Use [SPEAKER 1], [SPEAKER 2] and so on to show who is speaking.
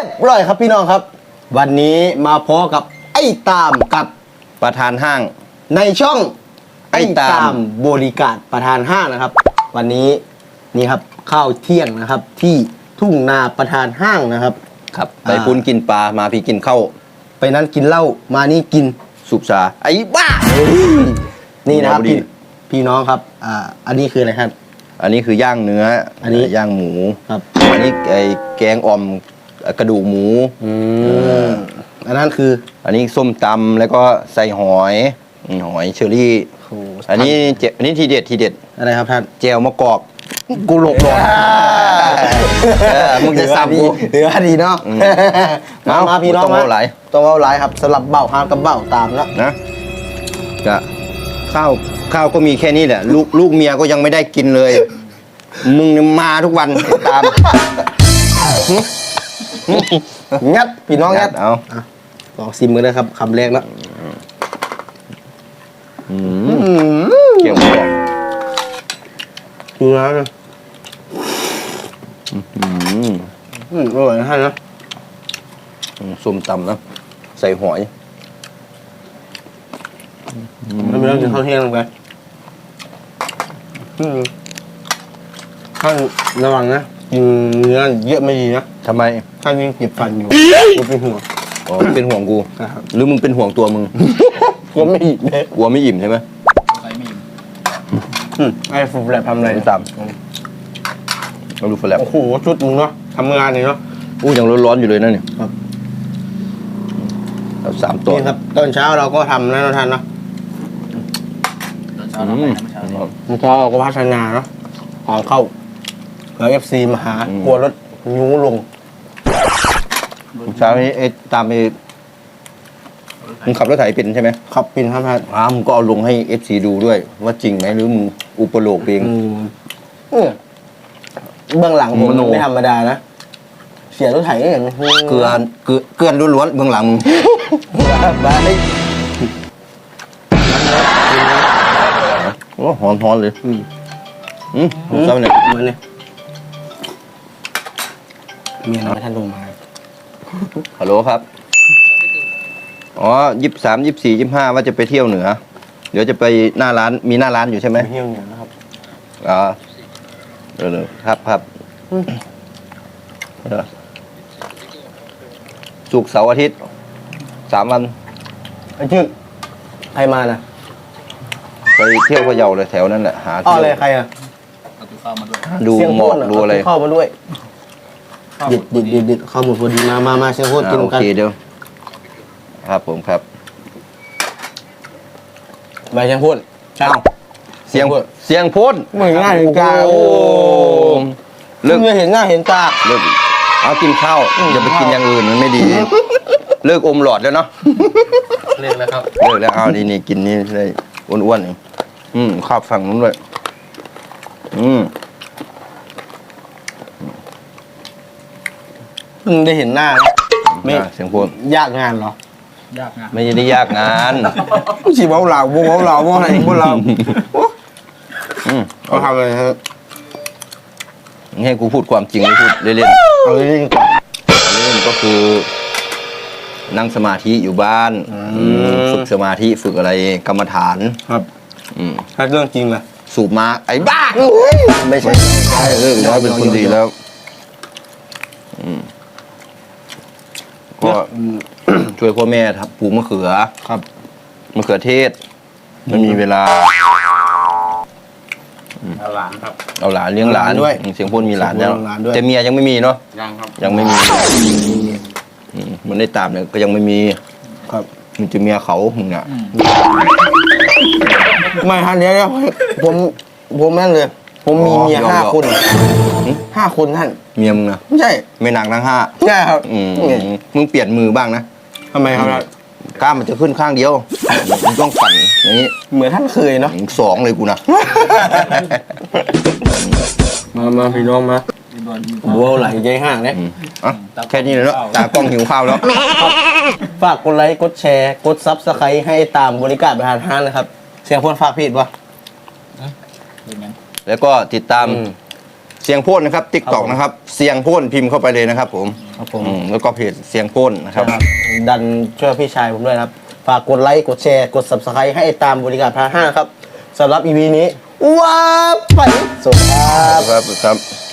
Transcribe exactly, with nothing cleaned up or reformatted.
[SPEAKER 1] บร้อยครับพี่น้องครับวันนี้มาพบกับไอ้ตามกับ
[SPEAKER 2] ประธานห้าง
[SPEAKER 1] ในช่อง
[SPEAKER 2] ไอ้ตาม
[SPEAKER 1] บริการประธานห้างนะครับวันนี้นี่ครับข้าวเที่ยงนะครับที่ทุ่งนาประธานห้างนะครับ
[SPEAKER 2] ครับไปปุ้นกินปลามาพี่กินข้าว
[SPEAKER 1] ไปนั้นกินเหล้ามานี่กิน
[SPEAKER 2] สุบชาไอ้บ้า
[SPEAKER 1] นี่นะครับพี่พี่น้องครับอ่าอันนี้คืออะไรครับ
[SPEAKER 2] อันนี้คือย่างเนื้อ
[SPEAKER 1] อันนี้
[SPEAKER 2] ย่างหมู
[SPEAKER 1] ครับ
[SPEAKER 2] อันนี้ไอ้แกงอ่อมกระดูกหมู
[SPEAKER 1] อืมอันนั้นคือ
[SPEAKER 2] อันนี้ส้มตำแล้วก็ใส่หอยหอยเชอรี่อันนี้เจอันนี้ทีเด็ดทีเด็ด
[SPEAKER 1] อะไรครับท่าน
[SPEAKER 2] เจลมะกอกกูหลบหลบมึงจะซ้ำกู
[SPEAKER 1] เหลือดีเนาะมามาพี่น้อง
[SPEAKER 2] ต้องเอาไหล
[SPEAKER 1] ต้องเอาไหลครับสลับเบ้าห้ามกับเบ้าตามแล้ว
[SPEAKER 2] นะจะข้าวข้าวก็มีแค่นี้แหละลูกลูกเมียก็ยังไม่ได้กินเลยมึงมาทุกวันตาม
[SPEAKER 1] งัดพี่น้องงัด
[SPEAKER 2] เอา
[SPEAKER 1] ลองซิมกันเลยครับคำแรกแล้ว
[SPEAKER 2] เกี่ยวกับ
[SPEAKER 1] ดูนะอืมอร่อยนะท่านนะ
[SPEAKER 2] ส้มตำนะใส่หอย
[SPEAKER 1] ไม่ต้องกินข้าวเที่ยงลงไปท่านระวังนะกินเนื้อเยอะไม่ดีนะ
[SPEAKER 2] ทำไม
[SPEAKER 1] ท่านยังเจ็บฟันอยู่กูเป็นห่วง
[SPEAKER 2] อ๋อเป็นห่วงกูหรือมึงเป็นห่วงตัวมึง
[SPEAKER 1] กลัวไม่อิ่มเลย
[SPEAKER 2] กลัวไม่อิ่มใช่ไหม
[SPEAKER 1] ไม่อิ่มไอ้ฟูแลบทำอะไร
[SPEAKER 2] ตามเราดูฟูแลบ
[SPEAKER 1] โอ้โหชุดมึงเนาะทำงานเลยเนาะ
[SPEAKER 2] อู้ยังร้อนๆอยู่เลยนะเนี่ย
[SPEAKER 1] ครับ
[SPEAKER 2] เราสามตัว
[SPEAKER 1] นี่ครับตอนเช้าเราก็ทำนะท่านเนาะ
[SPEAKER 3] ตอนเช้าเราไปเช้า
[SPEAKER 1] ตอนเช้าเราก็พัฒนาเนาะของเข้าเผื่อเอฟซีมาหากลัวรถยูลง
[SPEAKER 2] เช้านี้เอ๊ะตามไปมึงขับรถไถเป็นใช่ไหม
[SPEAKER 1] ขับเป็นครับท่าน
[SPEAKER 2] อ้ามึงก็เอาลงให้เอฟซีดูด้วยว่าจริงไหมหรือมึงอุปโลกเอง
[SPEAKER 1] เบื้องหลังผมไม่ธรรมดานะเสียรถไถอย่าง
[SPEAKER 2] เกลือเกลือเกลือล้วนๆเบื้องหลังมึง
[SPEAKER 1] บ้าเลย
[SPEAKER 2] โอ้หอมหอมเลยอืมอืมเจ้าเนี่ย
[SPEAKER 1] มันเนี่ยเมียน้อยท่านลงมา
[SPEAKER 2] ฮัลโหลครับอ๋อยี่สิบสามยี่สิบสี่ยี่สิบห้าว่าจะไปเที่ยวเหนือเดี๋ยวจะไปหน้าร้านมีหน้าร้านอยู่ใช่ไหม
[SPEAKER 1] เที่ยวเหนือนะครับ
[SPEAKER 2] อ๋อเออครับครับศุกร์เสาร์อาทิตย์สามวัน
[SPEAKER 1] ไอ้ชื่อใครมาน่ะ
[SPEAKER 2] ไปเที่ยวพะเยาเลยแถวนั้นแหละหา
[SPEAKER 1] อ๋ออะไรใครอ่ะ
[SPEAKER 3] เอาตู้ข้าวมาด้วย
[SPEAKER 2] ดูหมอกดูอะไร
[SPEAKER 1] เข้ามาด้วยดิดดิดดิดดิดข้าวหมดพอดีมามามาเชียงโคตรกินกัน
[SPEAKER 2] โอเคเดี๋ยวครับผมครับ
[SPEAKER 1] ใบเชียงพูด
[SPEAKER 2] เอ้าเสียงเสียงพูด
[SPEAKER 1] เหมือนง่ายเห็นตาโอ้เลิกเห็นหน้าเห็นตา
[SPEAKER 2] เลิกเอากินข้าวอย่าไปกินอย่างอื่นมันไม่ดีเลิกอมหลอดแล้วเนาะ
[SPEAKER 3] เลิกแล้วครับ
[SPEAKER 2] เลิกแล้วเอานี่นี่กินนี่เลยอ้วนๆนี่อืมข้าวฝั่งนู้นเลยอืม
[SPEAKER 1] เพิ่งได้เห็นหน้าไม่
[SPEAKER 2] เสียงพูด
[SPEAKER 1] ยากงานเหร
[SPEAKER 3] อยากงาน
[SPEAKER 2] ไม่ได้ยากงาน
[SPEAKER 1] ชีบ้าเหล่าบ้าเหล่าบ้าอะไรบ้าเหล่าเขาทำอะไรครับ
[SPEAKER 2] ให้กูพูดความจริงพูดเล่น
[SPEAKER 1] ๆเอาเล่นๆก่อน
[SPEAKER 2] เล่นก็คือนั่งสมาธิอยู่บ้านฝึกสมาธิฝึกอะไรกรรมฐาน
[SPEAKER 1] ครับถ้าเรื่องจริงล่ะ
[SPEAKER 2] สูบมาไอ้บ้าไม่ใช่ใช่เรื่องน้อยเป็นคนดีแล้วก็ช่วยพ่อแม่ครับปลูกมะเขือ
[SPEAKER 1] ครับ
[SPEAKER 2] มะเขือเทศมันมีเวลา
[SPEAKER 3] เอาหลานครับ
[SPEAKER 2] เอาหลานเลี้ยงหลานด้วยเสียงพูดมีหลานแล้วแต่เมียยังไม่มีเนาะ
[SPEAKER 3] ยังครับ
[SPEAKER 2] ยังไม่มีมันได้ตามเนี่ยก็ยังไม่มี
[SPEAKER 1] ครับ
[SPEAKER 2] มันจะเมียเขามึงเนี่ย
[SPEAKER 1] ไม่ฮะเดี๋ยวผมผมนั่นเลยผมมีเมียห้าคนห้าคนท่าน
[SPEAKER 2] เมียมึงนะ
[SPEAKER 1] ไม่ใช่
[SPEAKER 2] ไม่หนักทั้งห้า
[SPEAKER 1] ใช่ครับ
[SPEAKER 2] มึงเปลี่ยนมือบ้างนะ
[SPEAKER 1] ทำไมครับ
[SPEAKER 2] กล้ามมันจะขึ้นข้างเดียวมึงต้องปั่นอย่างนี้
[SPEAKER 1] เหมือนท่านเคยเนาะ
[SPEAKER 2] สองเลยกูนะ
[SPEAKER 1] มามาพี่น้องมาบัวไหลใจห่างเนี่ย
[SPEAKER 2] แค่นี้เลยเนาะตากล้องหิวข้าวแล้ว
[SPEAKER 1] ฝากกดไลค์กดแชร์กดซับสไครต์ให้ตามบริการประธานห้างนะครับเสียงพูดฝากผิดวะ
[SPEAKER 2] แล้วก็ติดตามเสียงพ่นนะครับติ๊กต็อกนะครับเสียงพ่นพิมพ์เข้าไปเลยนะครับผม
[SPEAKER 1] ครับผม
[SPEAKER 2] อืมแล้วก็เพจเสียงพ่นนะครับ
[SPEAKER 1] นะครับดันช่วยพี่ชายผมด้วยนะครับ ฝากกดไลค์ กดแชร์ กด subscribe ให้ตามบริการพาห้าครับสำหรับ อี พี นี้ว้าไปสวัสดีครับ
[SPEAKER 2] ครับครับ